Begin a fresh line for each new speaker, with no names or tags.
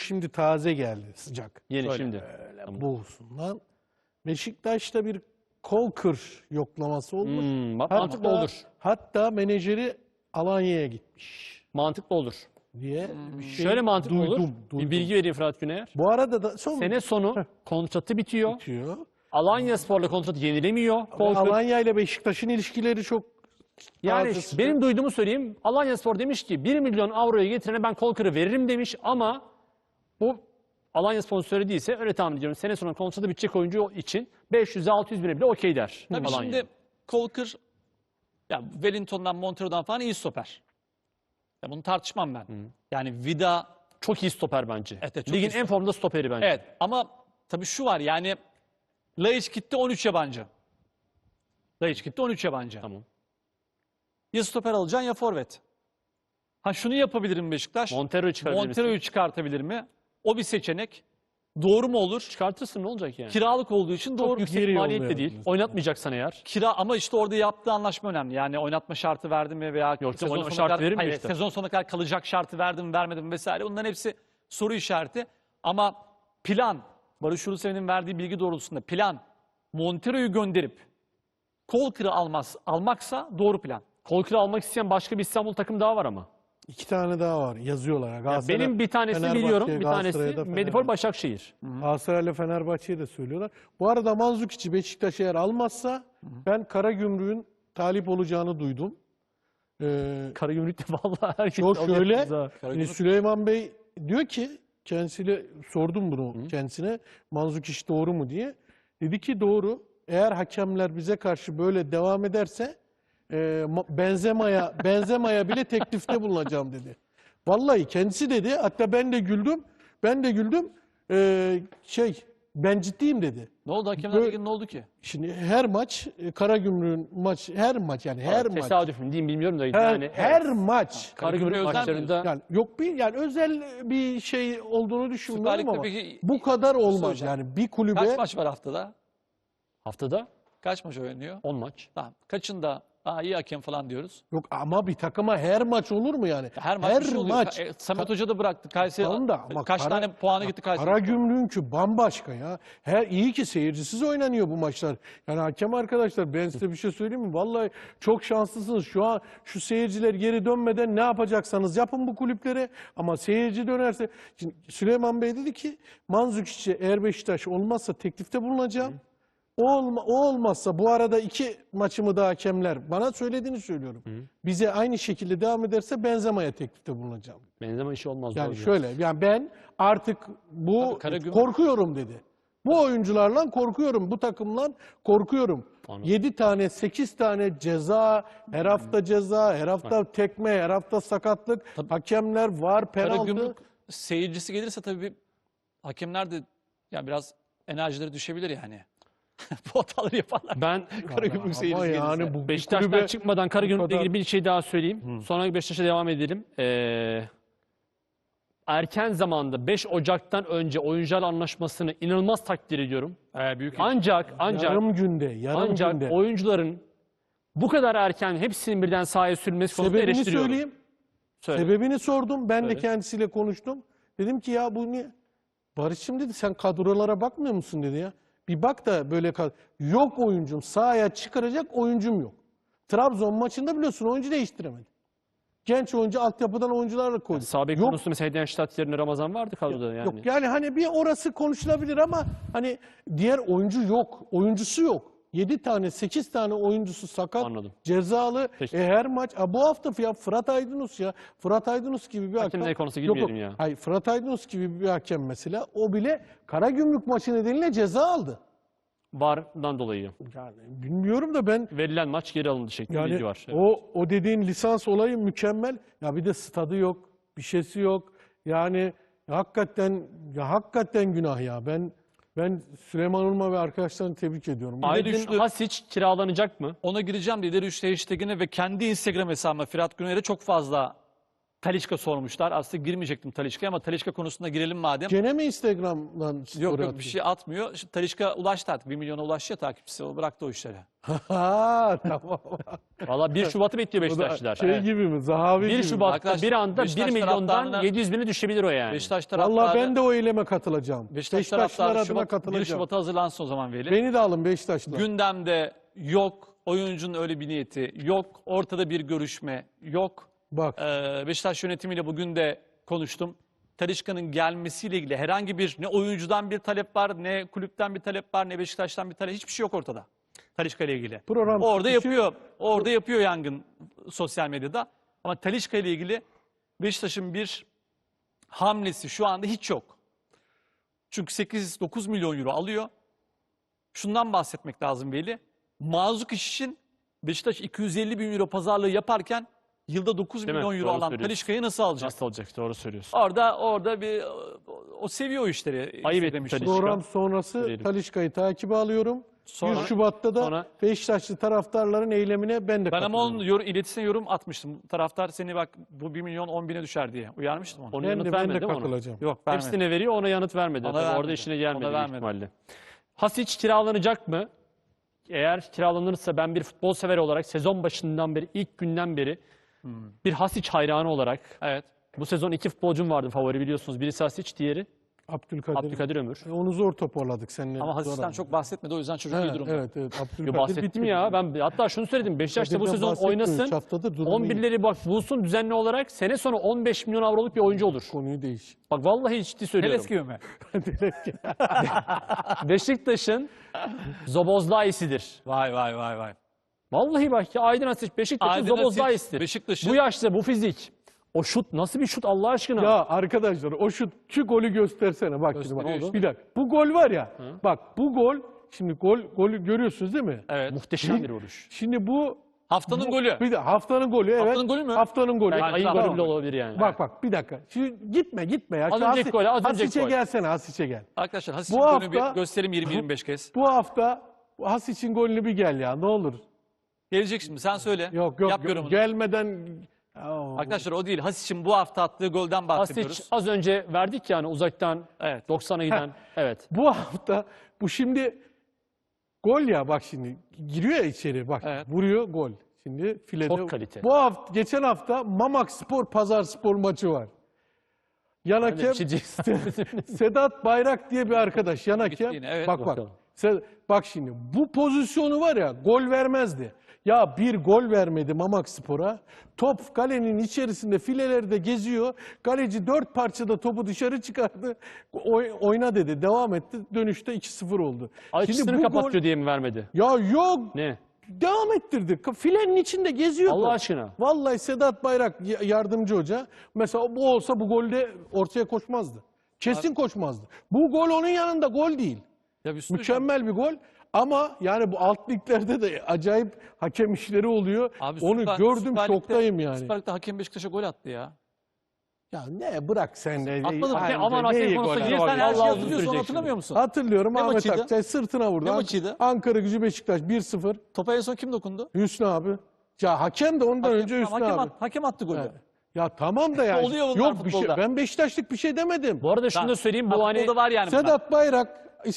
şimdi taze geldi, sıcak.
Yeni
Şöyle
şimdi.
Böyle
Tamam.
boğusundan. Beşiktaş'ta bir kol kır yoklaması olmuş.
Mantıklı olur.
Hatta menajeri Alanya'ya gitmiş
Mantıklı olur.
diye bir şey
Şöyle mantıklı olur.
duydum.
Bir bilgi vereyim Fırat Güner.
Bu arada da
Sene sonu kontratı bitiyor.
bitiyor.
Alanyaspor'la kontratı yenilemiyor.
Ve
Kol kır.
Alanya ile Beşiktaş'ın ilişkileri çok
Yani
taze, sıcak.
benim duyduğumu söyleyeyim. Alanyaspor demiş ki 1 milyon avroya getirene ben kol kırı veririm demiş ama bu Alanyaspor'un söylediyse öyle tahmin ediyorum. Sene sonu kontratı bitecek oyuncu için 500-600 bine bile okey der.
Tabii
Alanya.
şimdi Kolkır, ya Wellington'dan, Montero'dan falan iyi stoper. Ya bunu tartışmam ben. Yani Vida,
Çok iyi stoper bence.
Evet, çok
Ligin
iyi
en formda stoperi bence.
evet, ama tabii şu var yani Laiç gitti 13 yabancı. Laiç gitti 13 yabancı.
Tamam.
Ya stoper alacaksın ya forvet. Ha şunu yapabilir mi Beşiktaş?
Montero'yu çıkarabilir misin?
Montero'yu çıkartabilir mi? O bir seçenek. Doğru mu olur?
Çıkartırsın ne olacak yani?
Kiralık olduğu için doğru.
Yüksek
geri
maliyetli
yollayalım
değil.
diyorsun.
Oynatmayacaksan eğer.
Ama işte orada yaptığı anlaşma önemli. Yani oynatma şartı verdi mi veya
Yok,
sezon
oynatma
sonuna
şartı
kadar,
verir mi
hayır,
işte?
sezon sonuna kadar kalacak şartı verdi mi vermedi mi vesaire. Bunların hepsi soru işareti. Ama plan, Barış Ulusevi'nin verdiği bilgi doğrultusunda plan Montero'yu gönderip Kolkır'ı almaksa doğru plan.
Kol kırı almak isteyen başka bir İstanbul takım daha var ama.
2 tane daha var yazıyorlar.
Ya
Galatasaray,
benim bir tanesini
Fenerbahçe,
biliyorum. Bir
Galatasaray'a
tanesi
da
Medipol
Fenerbahçe.
Başakşehir.
Galatasaray'la Fenerbahçe'ye de söylüyorlar. Bu arada Mandzukiç'i Beşiktaş eğer almazsa ben Karagümrük'ün talip olacağını duydum.
Karagümrük'te vallahi herkes
O
alıyor
şöyle,
kız ha.
şimdi Süleyman Bey diyor ki kendisiyle sordum bunu kendisine Mandzukiç doğru mu diye. Dedi ki doğru. Eğer hakemler bize karşı böyle devam ederse Benzema'ya bile teklifte bulunacağım dedi. Vallahi kendisi dedi. Hatta ben de güldüm. Ben ciddiyim dedi.
Ne oldu? Hakemler
Böyle-
Ligi'nde ne oldu ki?
Şimdi her maç Karagümrük'ün her maç
Tesadüf mü diyeyim bilmiyorum da
her maç
Karagümrük
Karagümrük özel
maçlarında
yani yok yani özel bir şey olduğunu düşünmüyorum
Lig'de
ama
peki-
bu kadar olmaz
soracağım.
yani bir kulübe
Kaç maç var haftada?
haftada
Kaç maç oynanıyor?
10 maç.
Tamam. Kaçında iyi hakem falan diyoruz.
yok ama bir takıma her maç olur mu yani?
Her maç bir şey oluyor.
maç.
Samet Hoca da bıraktı. Kayseri
Tamam da ama
kaç tane puanı gitti Kayseri?
Karagümrük'ünkü bambaşka ya. İyi ki seyircisiz oynanıyor bu maçlar. Yani hakem arkadaşlar ben size bir şey söyleyeyim mi? Vallahi çok şanslısınız. Şu an şu seyirciler geri dönmeden ne yapacaksanız yapın bu kulüplere. Ama seyirci dönerse şimdi Süleyman Bey dedi ki Mandzukiç'e eğer Beşiktaş olmazsa teklifte bulunacağım. O olmazsa bu arada 2 maçımı da hakemler bana söylediğini söylüyorum. Bize aynı şekilde devam ederse Benzema'ya teklifte bulunacağım.
Benzeme işi olmaz.
Yani
doğru
şöyle yani ben artık bu
Karagümrük-
korkuyorum dedi. Bu oyuncularla korkuyorum, bu takımla korkuyorum.
Anladım.
7 tane, 8 tane ceza, her hafta ceza, her hafta tekme, her hafta sakatlık, hakemler var, penaltı.
Karagümrük seyircisi gelirse tabii hakemler de ya biraz enerjileri düşebilir yani. Bu hataları yaparlar.
Ben
Karagümrük
Ama
seyircisi
yani
gelirse.
bu
Beşiktaş'tan
kulübe
çıkmadan
bu
Karagümrük'le
kadar-
ilgili bir şey daha söyleyeyim. Sonra Beşiktaş'a devam edelim. Erken zamanda 5 Ocak'tan önce oyuncular anlaşmasını inanılmaz takdir ediyorum.
Büyük
Ancak
yarım günde.
oyuncuların bu kadar erken hepsinin birden sahaya sürülmesi konusunda
Sebebini
eleştiriyorum.
söyleyeyim.
Söyle.
Sebebini sordum. Ben de
Söyle.
kendisiyle konuştum. Dedim ki ya bu niye? Barış'ım dedi sen kadrolara bakmıyor musun dedi ya. Bir bak da böyle yok oyuncum sahaya çıkaracak oyuncum yok. Trabzon maçında biliyorsun oyuncu değiştiremedi. Genç oyuncu altyapıdan oyuncularla koydu.
Sağ bek
Yok,
konusunda mesela Hedenstadt yerine Ramazan vardı kadroda yani.
yok yani hani bir orası konuşulabilir ama hani diğer oyuncu yok. Oyuncusu yok. 7 tane 8 tane oyuncusu sakat,
Anladım.
cezalı.
Peki.
Her maç bu hafta ya Fırat Aydınus ya. Fırat Aydınus gibi bir
Hakemler
hakem.
konusuna
Yok,
girmeyelim
yok.
ya.
Hayır Fırat Aydınus gibi bir hakem mesela o bile Karagümrük maçı nedeniyle ceza aldı.
VAR'dan dolayı.
Yani bilmiyorum da ben
Verilen maç geri alındı şeklinde bilgi
yani
var. Evet.
o dediğin lisans olayı mükemmel. Ya bir de stadı yok, bir şeysi yok. Yani hakikaten günah ya. Ben Süleyman Ulma ve arkadaşlarını tebrik ediyorum.
Aydın
üçlü-
Hasic kiralanacak mı?
Ona gireceğim de ileri 3 hashtag'ine ve kendi Instagram hesabıma Fırat Güner'e çok fazla Talisca sormuşlar. Aslında girmeyecektim Talisca'ya ama Talisca konusunda girelim madem.
Gene mi Instagram'dan
Yok
story
yok bir
atıyor?
şey atmıyor. Şimdi Talisca ulaştı artık. 1 milyona ulaştı ya takipçisi. O bıraktı o işleri.
Ha tamam.
Valla 1 Şubat'ı bekliyor
Bu da
Beşiktaşlılar.
şey gibi mi? Zahavi
1
gibi mi?
Şubat'ta
Arkadaşlar,
bir anda 1
Beşiktaş
milyondan
taraftarına-
700 bine düşebilir o yani.
Beşiktaş taraftarı,
Vallahi ben de o eyleme katılacağım.
Beşiktaş
Beşiktaşlılar
taraftarı
adına
1
katılacağım.
Şubat'a hazırlansın o zaman Veli.
Beni de alın Beşiktaşlılar.
Gündemde yok. Oyuncunun öyle bir niyeti yok. Ortada bir görüşme yok.
Bak
Beşiktaş yönetimiyle bugün de konuştum. Talisca'nın gelmesiyle ilgili herhangi bir ne oyuncudan bir talep var, ne kulüpten bir talep var, ne Beşiktaş'tan bir talep. Hiçbir şey yok ortada. Talisca ile ilgili.
Program
Orada
çıkışı-
yapıyor. Orada yapıyor yangın sosyal medyada. Ama Talisca ile ilgili Beşiktaş'ın bir hamlesi şu anda hiç yok. Çünkü 8-9 milyon euro alıyor. Şundan bahsetmek lazım Veli. Mazukic için Beşiktaş 250 bin euro pazarlığı yaparken yılda 9
Değil mi?
milyon euro
Doğru
alan
söylüyorsun.
Talisca'yı nasıl alacak?
Nasıl olacak? Doğru söylüyorsun.
Orada bir o seviyor o işleri.
Ayıp etti
demiştim.
Talisca.
program sonrası
Söyleyelim.
Talişka'yı takibe alıyorum.
Sonra-
1 Şubat'ta da
sonra-
Beşiktaşlı taraftarların eylemine ben de
Ben ama
katılıyorum.
onun iletisine yorum atmıştım. Taraftar seni bak bu 1 milyon 10 bine düşer diye. Uyarmıştım onu.
Onun
Ben
yanıt
de
vermedi değil mi ona?
katılacağım.
Yok vermedi.
Hepsine veriyor, ona yanıt vermedi.
Ona
Tabii
vermedi.
orada işine gelmedi
Ona
büyük
vermedi.
ihtimalle. Hasic kiralanacak mı? Eğer kiralanırsa ben bir futbol sever olarak sezon başından beri, ilk günden beri bir Hasic hayranı olarak
Evet.
bu sezon 2 futbolcum vardı favori biliyorsunuz. Birisi Hasic, diğeri Abdülkadir Ömür.
Onu zor toparladık seninle.
Ama Hasis'ten çok bahsetmedi o yüzden çocuk iyi durumda.
Evet.
Yo,
Abdülkadir
bahsettim
bitti.
ya. Ben hatta şunu söyledim. Beşiktaş da bu
Kadir'den
sezon
bahsetmiyorum.
oynasın.
Üç haftadır durumu iyi.
11'leri bak bulsun düzenli olarak. Sene sonu 15 milyon avroluk bir oyuncu olur.
Konuyu değiş.
Bak vallahi ciddi söylüyorum.
Heles gibi mi?
Beşiktaş'ın Zobozlayisidir.
Vay vay vay vay.
Vallahi bak ya Aydın Hasic Beşiktaş'ın
Aydın Hasic,
Zobozlayisidir.
Beşiktaş'ın-
Bu yaşta bu fizik. O şut nasıl bir şut Allah aşkına?
Ya arkadaşlar o şu golü göstersene bak şimdi bak.
Gösteriyor.
Bir dakika. Bu gol var ya. Bak bu gol şimdi golü görüyorsunuz değil mi?
Evet.
Muhteşem bir vuruş.
Şimdi bu
Haftanın golü.
bir de haftanın golü evet.
Haftanın golü mü?
Haftanın golü.
Belki
Yani
ayın
tamam.
golü bile olabilir yani.
Bak bir dakika. Şimdi gitme ya.
Az
Şu
önceki gol, az önceki
Hasic'e
gol.
gelsene Hasic'e gel.
Arkadaşlar Hasis'in
Bu
golünü bir
hafta-
gösterim 20-25 kez.
Bu hafta Hasic'in golünü bir gel ya ne olur.
Gelecek şimdi sen söyle.
Yok
Yap yorumunu.
gelmeden. Aa,
Arkadaşlar o değil. Hasis'in bu hafta attığı golden bahsediyoruz.
Hasic az önce verdik yani uzaktan
Evet.
90'a giden. Evet.
Bu hafta bu şimdi gol ya bak şimdi giriyor ya içeri bak
Evet.
vuruyor gol. Şimdi filede.
Çok kalite.
Bu hafta geçen hafta Mamak Spor Pazar Spor maçı var. Yan
Hadi
hakem
bir şey diyeceksin.
Sedat Bayrak diye bir arkadaş yan hakem.
yine, evet.
Bak
Bakalım.
bak şimdi bu pozisyonu var ya gol vermezdi. Ya bir gol vermedi Mamak Spor'a. Top kalenin içerisinde filelerde geziyor. Kaleci 4 parçada topu dışarı çıkardı. Oyna dedi. Devam etti. Dönüşte 2-0 oldu.
Açısını kapatıyor diye mi vermedi?
Ya yok.
Ne?
Devam ettirdi. Filenin içinde geziyordu.
Allah aşkına.
Vallahi Sedat Bayrak yardımcı hoca. Mesela bu olsa bu golde ortaya koşmazdı. Kesin koşmazdı. Bu gol onun yanında gol değil.
Ya bir sürü-
Mükemmel bir gol. Ama yani bu alt liglerde de acayip hakem işleri oluyor.
Abi
Onu
Süper-
gördüm
Süper Lig'de-
şoktayım yani.
Süper Lig'de hakem Beşiktaş'a gol attı ya.
Ya ne bırak sen de.
Atladım.
Ay,
Aman hakem
neyi
konusuna
gol
girme.
attı?
Sen her şeyi
Vallahi
hatırlıyorsun
üzülecek
hatırlamıyor musun?
Hatırlıyorum
Ne
Ahmet
maçıydı?
Akçay sırtına vurdu.
Ne maçıydı?
Ankara Gücü Beşiktaş 1-0.
Topa en son kim dokundu?
Hüsnü abi. Ya hakem de ondan önce Hüsnü abi.
Hakem attı golü.
Evet. Ya tamam da yani.
Oluyor bunlar
Yok bir şey.
futbolda.
Ben Beşiktaşlık bir şey demedim.
Bu arada şunu da söyleyeyim. Bu hani
Futbolda var yani bunlar.
Sedat Bayrak